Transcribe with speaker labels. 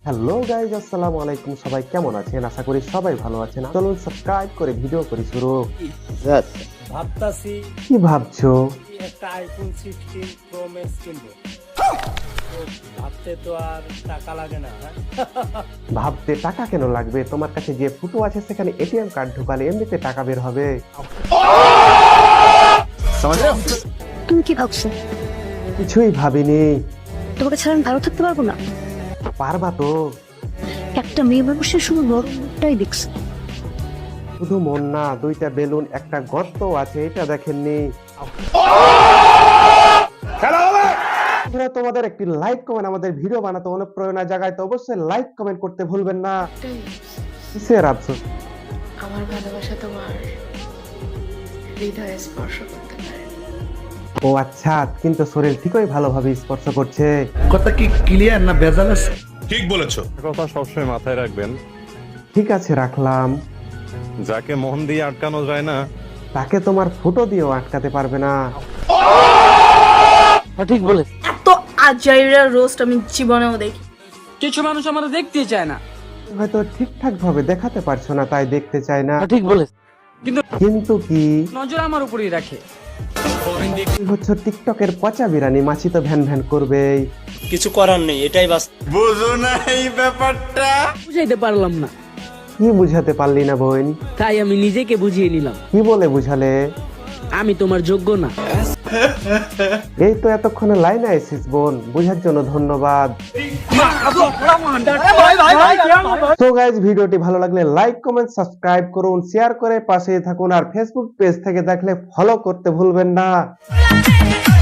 Speaker 1: Hello guys, আসসালামু আলাইকুম। সবাই কেমন আছেন? আশা করি সবাই ভালো আছেন। চলুন সাবস্ক্রাইব করে ভিডিও করি শুরু।
Speaker 2: ভাবতাছি
Speaker 1: কি ভাবছো?
Speaker 2: একটা আইফোন 16 প্রো ম্যাক্স কিনবো। তো ভাবতে তো আর টাকা লাগে না, হ্যাঁ?
Speaker 1: ভাবতে টাকা কেন লাগবে? তোমার কাছে যে ফুটো আছে সেখানে এটিএম কার্ড ঢুকালে এমনিতে টাকা বের হবে।
Speaker 3: তুমি কি ভাবছো?
Speaker 1: কিছুই ভাবিনি।
Speaker 3: তোমাকে ছাড়া আমি ভালো থাকতে পারবো না?
Speaker 1: পারবা তো?
Speaker 3: একটা মেয়ে মানুষের শুধু নরমটাই দেখছে।
Speaker 1: শুধু মন না, দুইটা বেলুন, একটা গর্ত আছে, এটা দেখেননি? বন্ধুরা, তোমাদের একটি লাইক কমেন্ট আমাদের ভিডিও বানাতে অনুপ্রেরণা জাগায়, তো অবশ্যই লাইক কমেন্ট করতে ভুলবেন না। কিসের আফসোস?
Speaker 4: আমার ভালোবাসা তোমার হৃদয়ে স্পর্শ করতে পারে।
Speaker 1: ও আচ্ছা, কিন্তু শরীর ঠিকই ভালোভাবে স্পর্শ করছে।
Speaker 5: কথা কি ক্লিয়ার না ভেজাল আছে?
Speaker 6: ঠিক বলেছো।
Speaker 7: কথা সবসময় মাথায় রাখবেন,
Speaker 1: ঠিক আছে, রাখলাম।
Speaker 7: যাকে মন দিয়ে আটকানো যায় না
Speaker 1: তাকে তোমার ফুটো দিয়েও আটকাতে পারবে না।
Speaker 8: এত আজাইরা রোস্ট আমি জীবনেও দেখি।
Speaker 9: কিছু মানুষ আমাদের দেখতে চায় না।
Speaker 1: হয়তো ঠিকঠাক ভাবে দেখাতে পারছো না, তাই দেখতে চাই না।
Speaker 9: ঠিক বলে,
Speaker 1: কিন্তু কি
Speaker 9: নজর আমার উপরেই রাখে।
Speaker 1: তুই হচ্ছে টিকটকের পচা বিরানি, মাছি তো ভ্যান ভ্যান করবেই।
Speaker 2: কিছু করার নেই, এটাই বাস্তব।
Speaker 5: বুঝো না এই ব্যাপারটা?
Speaker 9: বুঝাইতে পারলাম না,
Speaker 1: কি বুঝাতে পারলি না বোন?
Speaker 9: তাই আমি নিজেকে বুঝিয়ে নিলাম
Speaker 1: কি বলে বুঝালে?
Speaker 9: আমি তোমার যোগ্য না।
Speaker 1: এই তো এতক্ষণে লাইনে আইসিস বোন, বুঝার জন্য ধন্যবাদ। তো গাইজ, ভিডিওটি ভালো লাগলে লাইক কমেন্ট সাবস্ক্রাইব করুন, শেয়ার করে পাশেই থাকুন, আর ফেসবুক পেজ থেকে দেখলে ফলো করতে ভুলবেন না।